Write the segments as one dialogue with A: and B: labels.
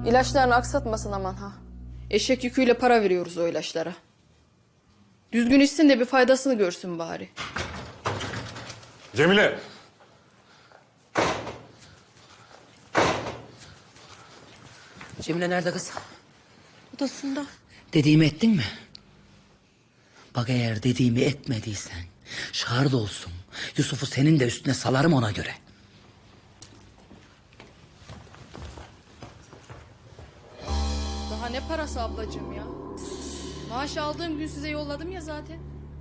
A: İlaçlarını aksatmasın aman ha. Eşek yüküyle para veriyoruz o ilaçlara. Düzgün içsin de bir faydasını görsün bari.
B: Cemile!
C: Cemile nerede kız?
D: Odasında.
C: Dediğimi ettin mi? Bak eğer dediğimi etmediysen şahit olsun. Yusuf'u senin de üstüne salarım ona göre.
A: Daha ne parası ablacığım ya? Maaş aldığım gün size yolladım ya zaten.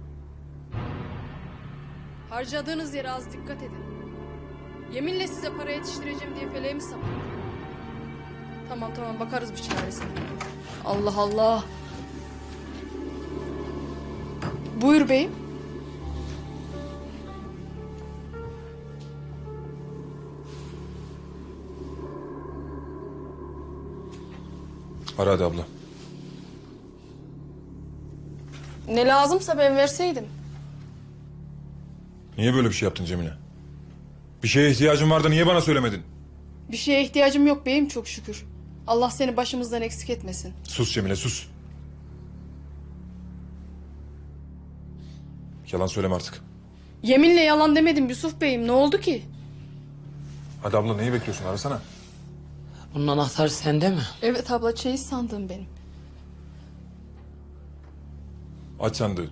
A: Harcadığınız yere az dikkat edin. Yeminle size para yetiştireceğim diye feleğimi sapın. Tamam bakarız bir çaresine. Allah Allah. Buyur beyim.
B: Ara hadi abla.
A: Ne lazımsa ben verseydim.
B: Niye böyle bir şey yaptın Cemile? Bir şeye ihtiyacın vardı, niye bana söylemedin?
A: Bir şeye ihtiyacım yok beyim çok şükür. Allah seni başımızdan eksik etmesin.
B: Sus Cemile, sus. Yalan söyleme artık.
A: Yeminle yalan demedim Yusuf beyim, ne oldu ki?
B: Hadi abla, neyi bekliyorsun? Arasana.
C: Bunun anahtarı sende mi?
A: Evet abla, çeyiz sandığım benim.
B: Aç sandığı.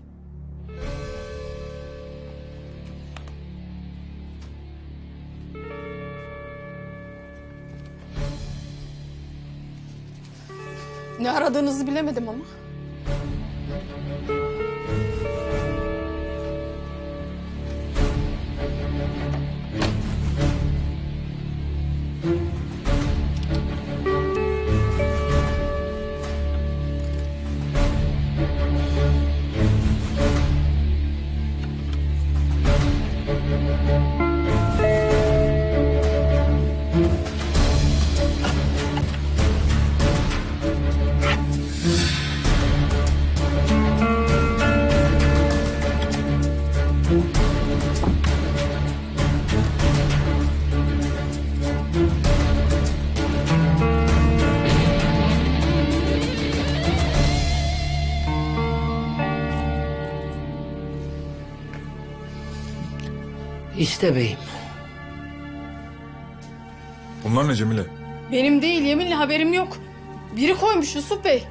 A: Ne aradığınızı bilemedim ama.
C: İşte beyim.
B: Bunlar ne Cemile?
A: Benim değil, yeminle haberim yok. Biri koymuş Yusuf bey.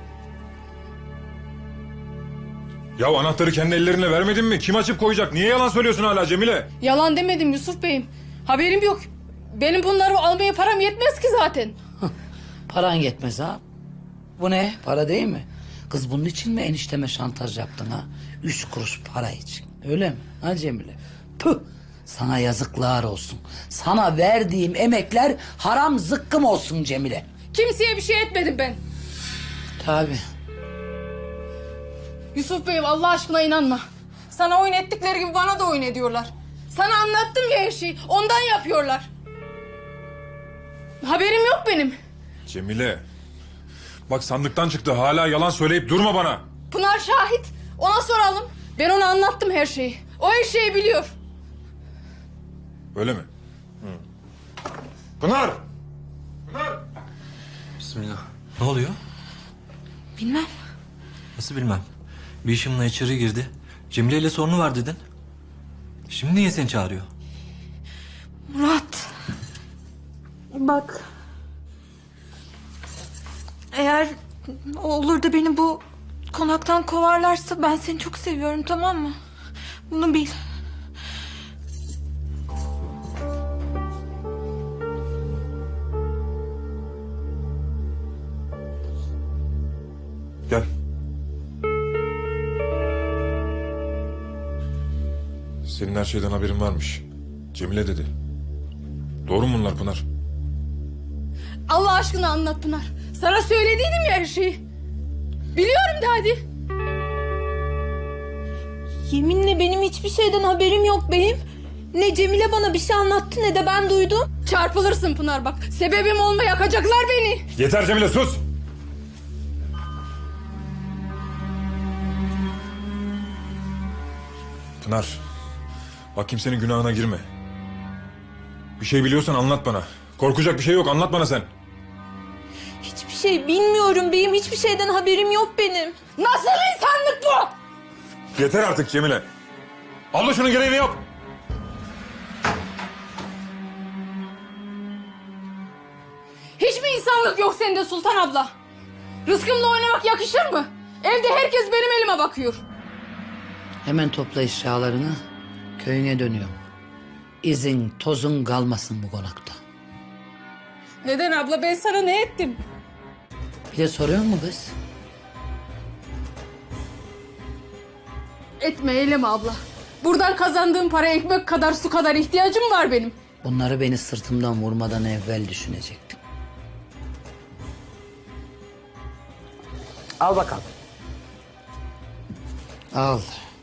B: Ya anahtarı kendi ellerinle vermedin mi? Kim açıp koyacak? Niye yalan söylüyorsun hala Cemile?
A: Yalan demedim Yusuf beyim. Haberim yok. Benim bunları almaya param yetmez ki zaten.
C: Paran yetmez ha. Bu ne? Para değil mi? Kız bunun için mi enişteme şantaj yaptın ha? 3 kuruş para için. Öyle mi? Ha Cemile? Püh! Sana yazıklar olsun. Sana verdiğim emekler haram zıkkım olsun Cemile.
A: Kimseye bir şey etmedim ben.
C: Tabii.
A: Yusuf beyim, Allah aşkına inanma. Sana oyun ettikleri gibi bana da oyun ediyorlar. Sana anlattım ya her şeyi. Ondan yapıyorlar. Haberim yok benim.
B: Cemile. Bak sandıktan çıktı. Hala yalan söyleyip durma bana.
A: Pınar şahit. Ona soralım. Ben ona anlattım her şeyi. O her şeyi biliyor.
B: Öyle mi? Pınar! Pınar!
E: Bismillah. Ne oluyor?
D: Bilmem.
E: Nasıl bilmem. Bir işimle içeri girdi. Cemile ile sorunu var dedin. Şimdi niye seni çağırıyor?
D: Murat. Bak. Eğer olur da beni bu konaktan kovarlarsa ben seni çok seviyorum, tamam mı? Bunu bil.
B: Gel. Senin her şeyden haberin varmış. Cemile dedi. Doğru mu bunlar Pınar?
A: Allah aşkına anlat Pınar. Sana söylediydim ya her şeyi. Biliyorum de hadi.
D: Yeminle benim hiçbir şeyden haberim yok beyim. Ne Cemile bana bir şey anlattı ne de ben duydum.
A: Çarpılırsın Pınar bak. Sebebim olma, yakacaklar beni.
B: Yeter Cemile, sus! Pınar, bak kimsenin günahına girme. Bir şey biliyorsan anlat bana. Korkacak bir şey yok, anlat bana sen.
D: Hiçbir şey bilmiyorum beyim. Hiçbir şeyden haberim yok benim.
A: Nasıl insanlık bu?
B: Yeter artık Cemile. Abla şunun gereğini yap.
A: Hiç mi insanlık yok sende Sultan abla? Rızkımla oynamak yakışır mı? Evde herkes benim elime bakıyor.
C: Hemen topla eşyalarını, köyüne dönüyorum. İzin, tozun kalmasın bu konakta.
A: Neden abla? Ben sana ne ettim?
C: Bir de soruyor mu kız?
A: Etme eyleme abla. Buradan kazandığım para ekmek kadar su kadar ihtiyacım var benim.
C: Bunları beni sırtımdan vurmadan evvel düşünecektim. Al bakalım. Al.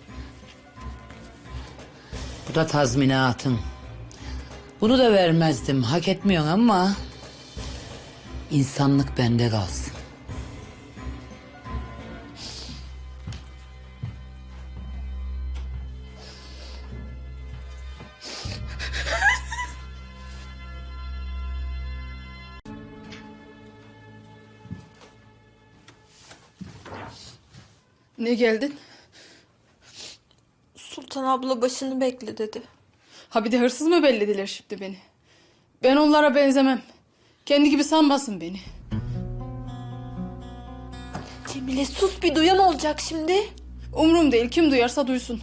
C: Bu da tazminatın. Bunu da vermezdim. Hak etmiyorsun ama insanlık bende kalsın.
A: Ne geldin?
D: Sultan abla başını bekle dedi.
A: Ha bir de hırsız mı bellediler şimdi beni? Ben onlara benzemem. Kendi gibi sanmasın beni.
D: Cemile sus, bir duyan olacak şimdi.
A: Umrum değil, kim duyarsa duysun.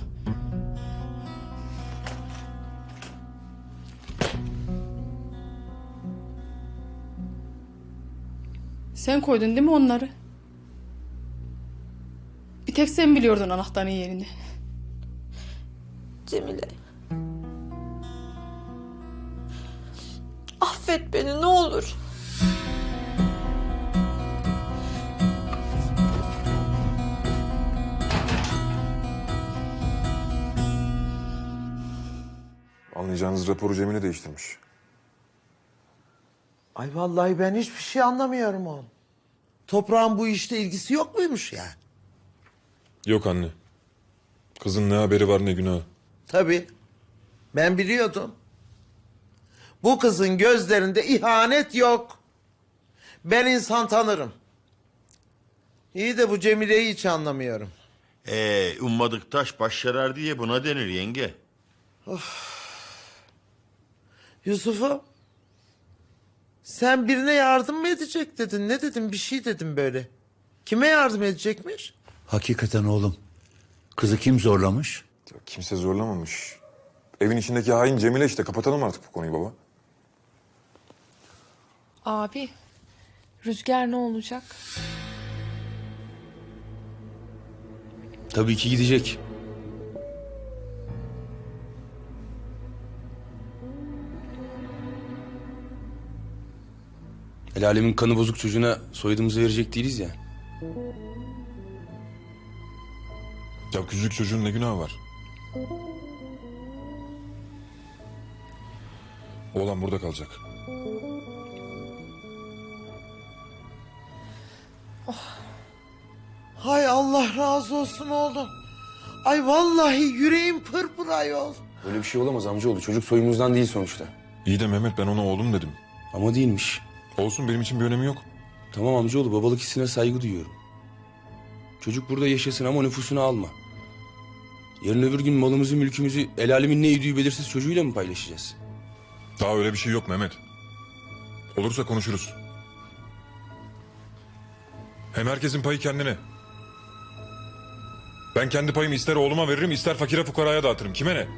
A: Sen koydun değil mi onları? Bir tek sen biliyordun anahtarın yerini.
D: Cemile. Affet beni ne olur.
B: Anlayacağınız raporu Cemile değiştirmiş.
F: Ay vallahi ben hiçbir şey anlamıyorum oğlum. Toprağın bu işte ilgisi yok muymuş yani?
B: Yok anne. Kızın ne haberi var ne günahı.
F: Tabii. Ben biliyordum. Bu kızın gözlerinde ihanet yok. Ben insan tanırım. İyi de bu Cemile'yi hiç anlamıyorum.
G: Ummadık taş baş yarar diye buna denir yenge.
F: Yusuf'um. Sen birine yardım mı edecek dedin? Ne dedin? Bir şey dedim böyle. Kime yardım edecekmiş?
H: Hakikaten oğlum. Kızı kim zorlamış?
B: Ya kimse zorlamamış. Evin içindeki hain Cemile işte. Kapatalım artık bu konuyu baba.
I: Abi, Rüzgar ne olacak?
J: Tabii ki gidecek. El alemin kanı bozuk çocuğuna soyadımızı verecek değiliz ya.
B: Ya küçücük çocuğun ne günahı var? Oğlan burada kalacak.
F: Hay Allah razı olsun oğlum. Ay vallahi yüreğim pırpır ayol.
J: Böyle bir şey olamaz amcaoğlu. Çocuk soyumuzdan değil sonuçta.
B: İyi de Mehmet ben ona oğlum dedim.
J: Ama değilmiş.
B: Olsun benim için bir önemi yok.
J: Tamam amcaoğlu, babalık hissine saygı duyuyorum. Çocuk burada yaşasın ama nüfusunu alma. Yarın öbür gün malımızı mülkümüzü el alemin ne yediği belirsiz çocuğuyla mı paylaşacağız?
B: Daha öyle bir şey yok Mehmet. Olursa konuşuruz. Hem herkesin payı kendine. Ben kendi payımı ister oğluma veririm ister fakire fukaraya dağıtırım. Kime ne?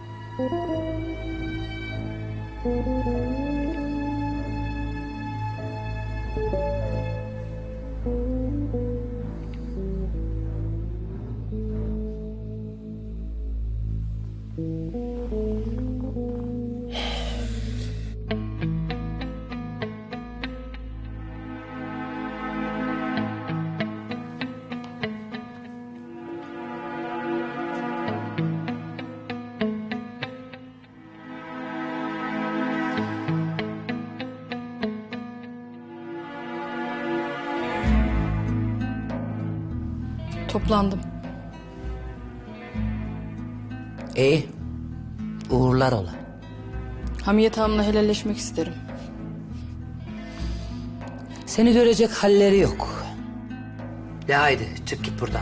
A: Toplandım.
C: İyi. Uğurlar ola.
A: Hamiyet Hanım'la helalleşmek isterim.
C: Seni görecek halleri yok. De haydi çık git buradan.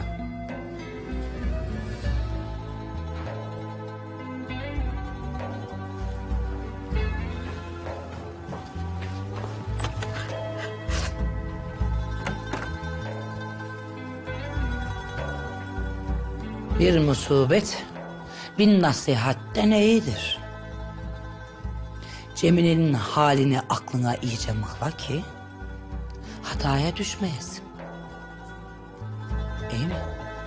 C: Bir musibet bin nasihatten iyidir. Cemile'nin halini aklına iyice mıhla ki hataya düşmeyesin. İyi mi?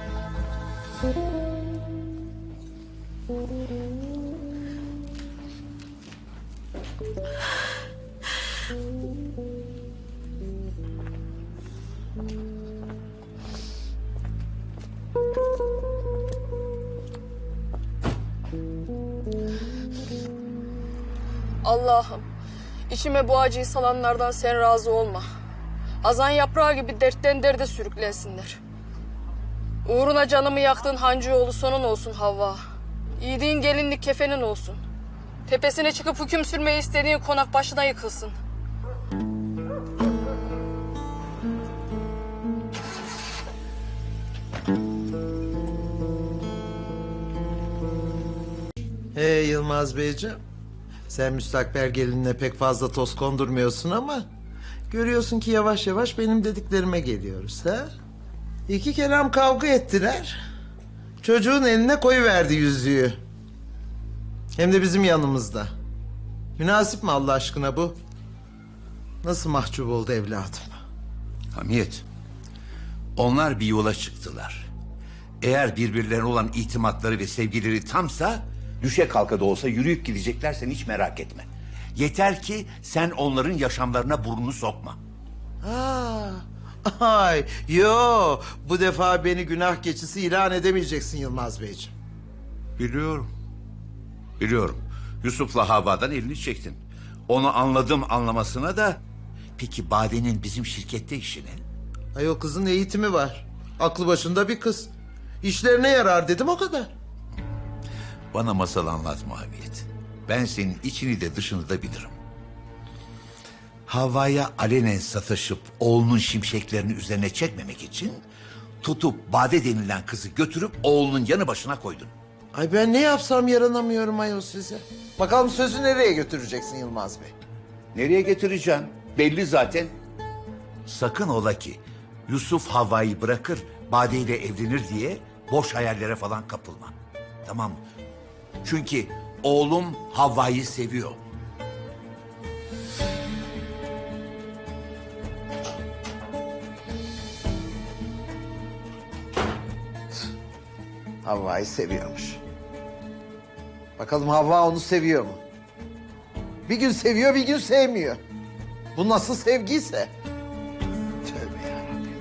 A: Allah'ım, içime bu acıyı salanlardan sen razı olma. Hazan yaprağı gibi dertten derde sürüklensinler. Uğruna canımı yaktığın Hancıoğlu sonun olsun Havva. Giydiğin gelinlik kefenin olsun. Tepesine çıkıp hüküm sürmeyi istediğin konak başına yıkılsın.
F: Yılmaz Beyciğim. Sen müstakbel gelinine pek fazla toz kondurmuyorsun ama... ...görüyorsun ki yavaş yavaş benim dediklerime geliyoruz ha? 2 kelam kavga ettiler. Çocuğun eline koyuverdi yüzüğü. Hem de bizim yanımızda. Münasip mi Allah aşkına bu? Nasıl mahcup oldu evladım?
H: Hamiyet, onlar bir yola çıktılar. Eğer birbirlerine olan itimatları ve sevgileri tamsa... ...düşe kalka da olsa yürüyüp gidecekler, sen hiç merak etme. Yeter ki sen onların yaşamlarına burnunu sokma.
F: Ay, yo, bu defa beni günah keçisi ilan edemeyeceksin Yılmaz Beyciğim.
H: Biliyorum. Biliyorum. Yusuf'la Havva'dan elini çektin. Onu anladım anlamasına da... ...peki Bade'nin bizim şirkette işi ne?
F: Ay, o kızın eğitimi var. Aklı başında bir kız. İşlerine yarar dedim, o kadar.
H: Bana masal anlatma Hamiyet. Ben senin içini de dışını da bilirim. Havva'ya alenen sataşıp oğlunun şimşeklerini üzerine çekmemek için... ...tutup Bade denilen kızı götürüp oğlunun yanı başına koydun.
F: Ay, ben ne yapsam yaranamıyorum ayol size. Bakalım sözü nereye götüreceksin Yılmaz Bey?
H: Nereye getireceğim? Belli zaten. Sakın ola ki Yusuf Havva'yı bırakır, Bade ile evlenir diye boş hayallere falan kapılma. Tamam mı? Çünkü oğlum Havva'yı seviyor.
F: Havva'yı seviyormuş. Bakalım Havva onu seviyor mu? Bir gün seviyor, bir gün sevmiyor. Bu nasıl sevgiyse? Tövbe yarabbim.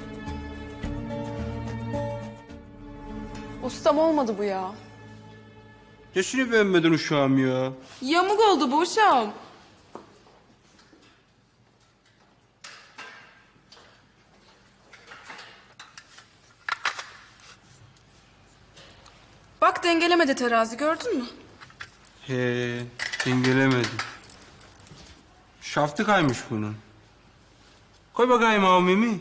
I: Ustam olmadı bu ya.
J: Nesini beğenmedin uşağım ya?
I: Yamuk oldu bu uşağım.
A: Bak dengelemedi terazi, gördün mü?
J: He, dengelemedim. Şaftı kaymış bunun. Koy bakayım o Mimi.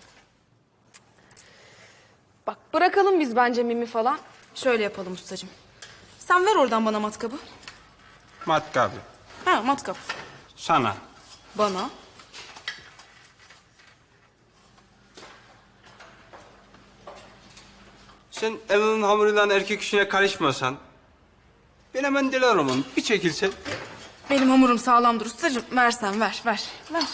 A: Bak bırakalım biz bence mimi falan. Şöyle yapalım ustacığım. Sen ver oradan bana matkabı.
J: Matkabı.
A: Ha, matkap.
J: Sana.
A: Bana.
J: Sen evinin hamuruyla erkek işine karışmasan... ...ben hemen diler olmam. Bir çekilsen.
A: Benim hamurum sağlamdır ustacığım. Versen ver. Ver.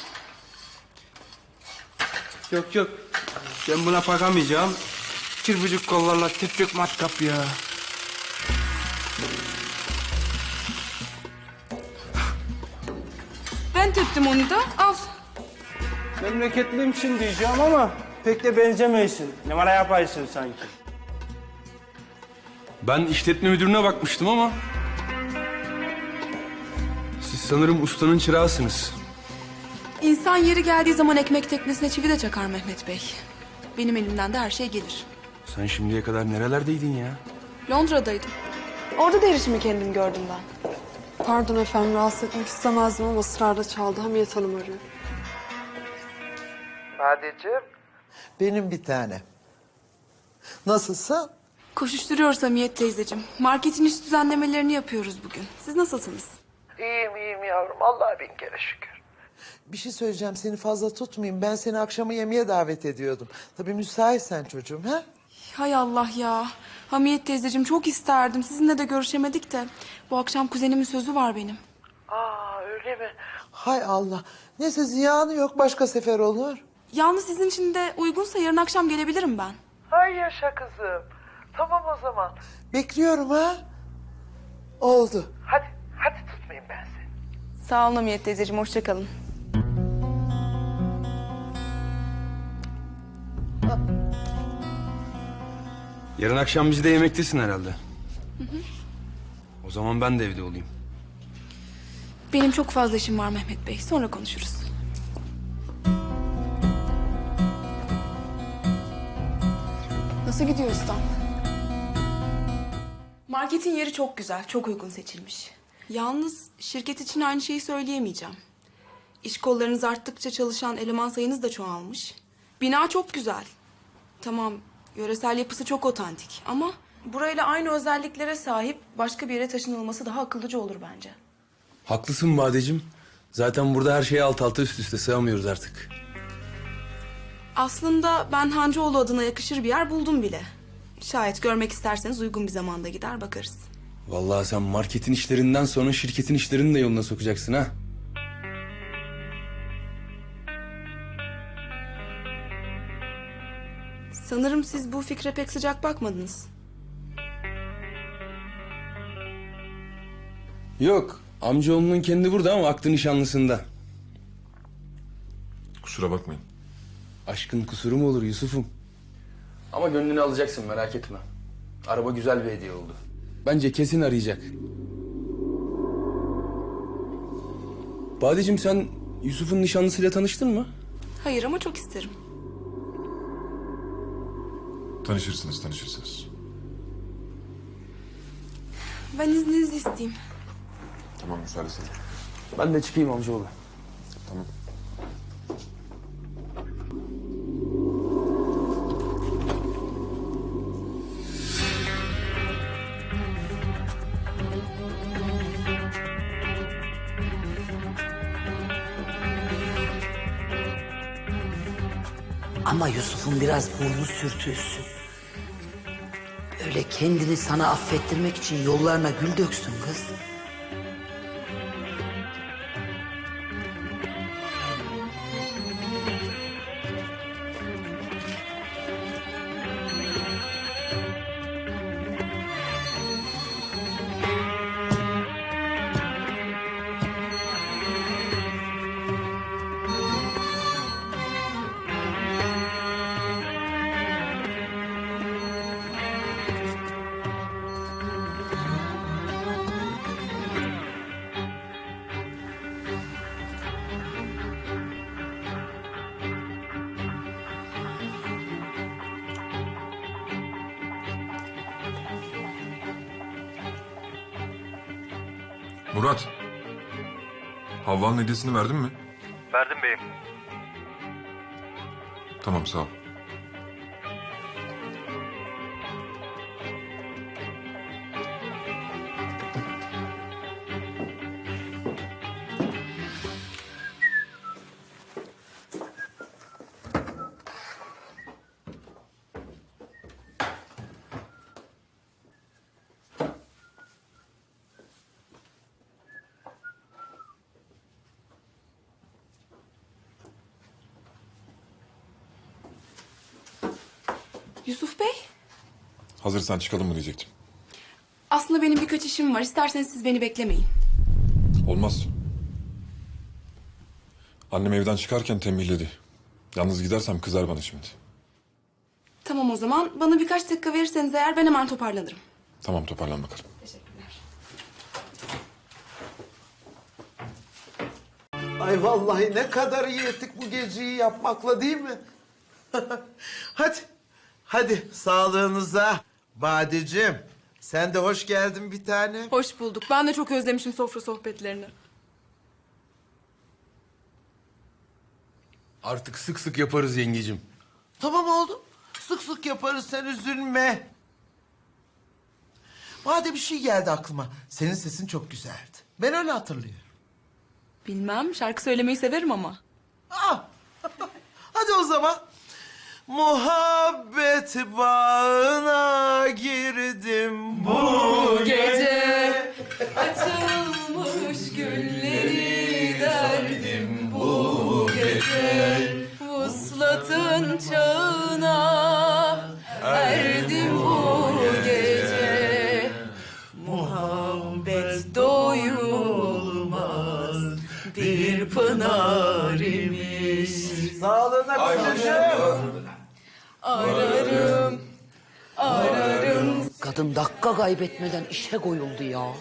J: Yok yok. Ben buna bakamayacağım. Çırpıcık kollarla tepecek matkap ya.
A: Ben teptim onu da. Al.
K: Memleketliymişsin diyeceğim ama pek de benzemeysin. Numara yaparsın sanki.
J: Ben işletme müdürüne bakmıştım ama... ...siz sanırım ustanın çırağısınız.
A: İnsan yeri geldiği zaman ekmek teknesine çivi de çakar Mehmet Bey. Benim elimden de her şey gelir.
J: Sen şimdiye kadar nerelerdeydin ya?
A: Londra'daydım.
I: Orada da erişimi kendim gördüm ben.
L: Pardon efendim, rahatsız etmek istemezdim ama ısrarla çaldı. Hamiyet Hanım arıyor.
F: Badeciğim. Benim bir tanem. Nasılsın?
I: Koşuşturuyoruz Hamiyet teyzeciğim. Marketin iş düzenlemelerini yapıyoruz bugün. Siz nasılsınız?
F: İyiyim yavrum. Allah'a bin kere şükür. Bir şey söyleyeceğim. Seni fazla tutmayayım. Ben seni akşama yemeğe davet ediyordum. Tabii müsaitsen çocuğum ha?
I: Hay Allah ya. Hamiyet teyzeciğim çok isterdim. Sizinle de görüşemedik de. Bu akşam kuzenimin sözü var benim.
F: Aa öyle mi? Hay Allah. Neyse ziyanı yok. Başka sefer olur.
I: Yalnız sizin için de uygunsa yarın akşam gelebilirim ben.
F: Hay yaşa kızım. Tamam o zaman. Bekliyorum ha. Oldu. Hadi tutmayayım ben seni.
I: Sağ olun Hamiyet teyzeciğim. Hoşça kalın.
J: Yarın akşam bizi de yemektesin herhalde. O zaman ben de evde olayım.
I: Benim çok fazla işim var Mehmet Bey. Sonra konuşuruz. Nasıl gidiyor ustam? Marketin yeri çok güzel, çok uygun seçilmiş. Yalnız şirket için aynı şeyi söyleyemeyeceğim. İş kollarınız arttıkça çalışan eleman sayınız da çoğalmış. Bina çok güzel. Tamam, yöresel yapısı çok otantik ama burayla aynı özelliklere sahip başka bir yere taşınılması daha akıllıca olur bence.
J: Haklısın Badeciğim. Zaten burada her şeyi alt alta üst üste sığamıyoruz artık.
I: Aslında ben Hancıoğlu adına yakışır bir yer buldum bile. Şayet görmek isterseniz uygun bir zamanda gider bakarız.
J: Vallahi sen marketin işlerinden sonra şirketin işlerini de yoluna sokacaksın ha.
I: Sanırım siz bu fikre pek sıcak bakmadınız.
J: Yok, amcaoğlunun kendi burada ama aklı nişanlısında.
B: Kusura bakmayın.
J: Aşkın kusuru mu olur Yusuf'um? Ama gönlünü alacaksın merak etme. Araba güzel bir hediye oldu. Bence kesin arayacak. Badeciğim sen Yusuf'un nişanlısıyla tanıştın mı?
I: Hayır ama çok isterim.
B: Tanışırsınız.
I: Ben izninizi isteyeyim.
B: Tamam müsaadesine.
J: Ben de çıkayım amcaoğlu.
B: Tamam.
C: Ama Yusuf'un biraz burnu sürtülsün. Öyle kendini sana affettirmek için yollarına gül döksün kız.
B: Murat. Havva'nın hediyesini verdin mi?
K: Verdim beyim.
B: Tamam sağ ol.
I: Yusuf Bey,
B: Hazırsan çıkalım mı diyecektim.
I: aslında benim birkaç işim var. İsterseniz siz beni beklemeyin.
B: Olmaz. Annem evden çıkarken tembihledi. Yalnız gidersem kızar bana şimdi.
I: Tamam o zaman. Bana birkaç dakika verirseniz eğer ben hemen toparlanırım.
B: Tamam toparlan bakalım.
I: Teşekkürler.
F: Ay vallahi ne kadar iyi ettik bu geceyi yapmakla değil mi? Hadi sağlığınıza. Badeciğim sen de hoş geldin bir tane.
I: Hoş bulduk. Ben de çok özlemişim sofra sohbetlerini.
J: Artık sık sık yaparız yengecim.
F: Tamam oğlum. Sık sık yaparız, sen üzülme. Madem bir şey geldi aklıma. Senin sesin çok güzeldi. Ben öyle hatırlıyorum.
I: Bilmem, şarkı söylemeyi severim ama.
F: Ah! Hadi o zaman. Muhabbet bağına girdim bu
I: Gece açılmış gülleri derdim bu gece. Vuslatın çağına erdim bu gece. Muhabbet doyulmaz bir pınar imiş.
F: Sağlığına kocacığım.
I: Ararım, ararım.
C: Kadın dakika kaybetmeden işe koyuldu ya.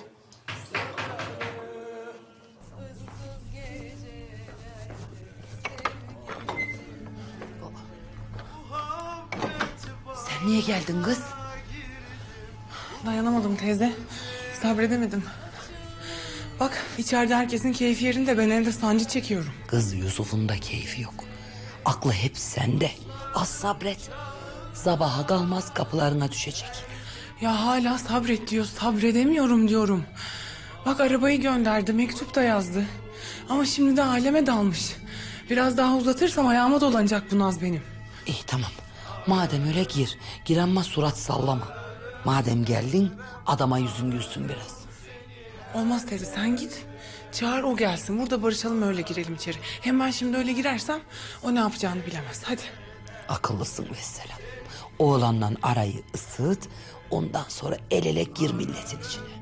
C: Sen niye geldin kız?
L: Dayanamadım teyze. Sabredemedim. Bak içeride herkesin keyfi yerinde, ben evde sancı çekiyorum.
C: Kız Yusuf'un da keyfi yok. Aklı hep sende. Az sabret. Sabaha kalmaz kapılarına düşecek.
L: Ya hala sabret diyor, sabredemiyorum diyorum. Bak arabayı gönderdi, mektup da yazdı. Ama şimdi de aleme dalmış. Biraz daha uzatırsam ayağıma dolanacak bu naz benim.
C: İyi tamam. Madem öyle gir. Gir ama surat sallama. Madem geldin adama yüzün gülsün biraz.
L: Olmaz teyze, sen git. Çağır o gelsin, burada barışalım, öyle girelim içeri. Hem ben şimdi öyle girersem o ne yapacağını bilemez. Hadi.
C: Akıllısın vesselam. Oğlanla arayı ısıt. Ondan sonra el ele gir milletin içine.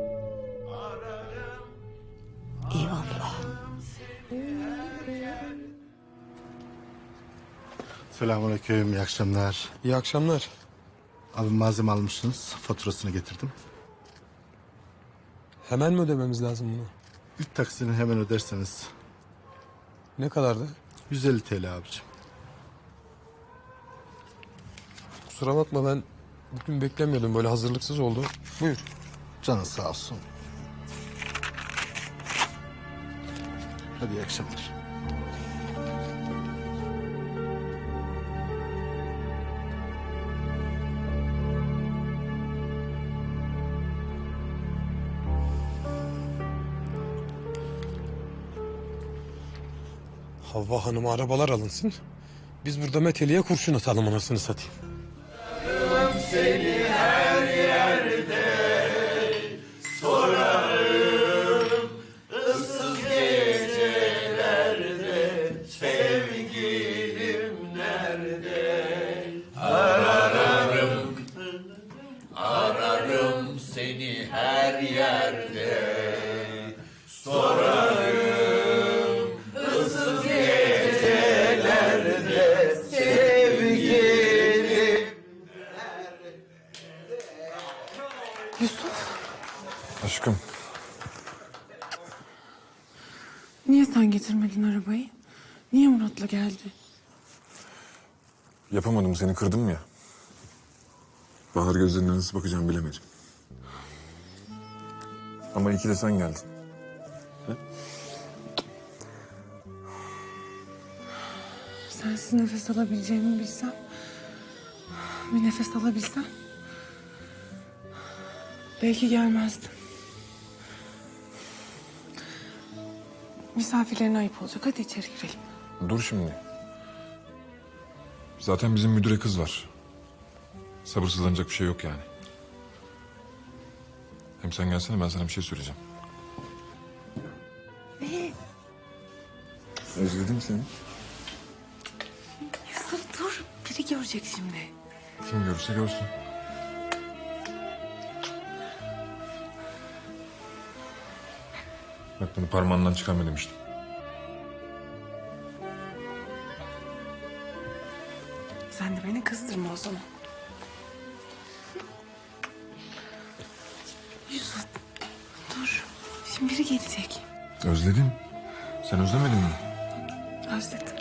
C: Eyvallah.
M: Selamünaleyküm, iyi akşamlar.
J: İyi akşamlar.
M: Abi malzeme almışsınız, faturasını getirdim.
J: Hemen mi ödememiz lazım bunu?
M: İlk taksini hemen öderseniz
J: Ne kadardı?
M: 150 TL abicim.
J: Kusura bakma, ben bugün beklemiyordum, böyle hazırlıksız oldu. Buyur.
M: Canın sağ olsun. Hadi iyi akşamlar.
J: Havva Hanım'a arabalar alınsın. Biz burada meteliğe kurşun atalım, anasını satayım.
B: Aşkım,
L: Niye sen getirmedin arabayı? Niye Murat'la geldi?
B: yapamadım, seni kırdım ya. Bahar gözlerine nasıl bakacağım bilemedim. Ama iyi ki de sen geldin.
L: Sensiz nefes alabileceğimi bilsem... Bir nefes alabilsem... Belki gelmezdim. Misafirlerine ayıp olacak. Hadi içeri girelim.
B: Dur şimdi. Zaten bizim müdüre kız var. Sabırsızlanacak bir şey yok yani. Hem sen gelsene, ben sana bir şey söyleyeceğim.
L: Ne?
B: Özledim seni.
L: Yusuf dur. Biri görecek şimdi.
B: Kim görürse görsün. Bak, bunu parmağından çıkarma demiştim.
L: Sen de beni kızdırma o zaman. Yusuf dur. Şimdi biri gelecek.
B: Özledim. Sen özlemedin mi?
L: Özledim.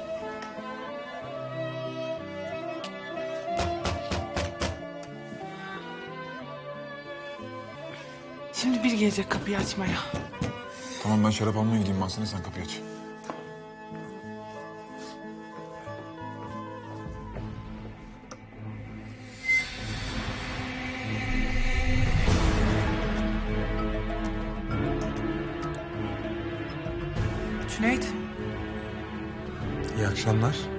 L: Şimdi biri gelecek kapıyı açmaya.
B: Tamam, ben şarap almaya gideyim. Mahsene sen kapıyı aç.
L: Cüneyt,
M: İyi akşamlar.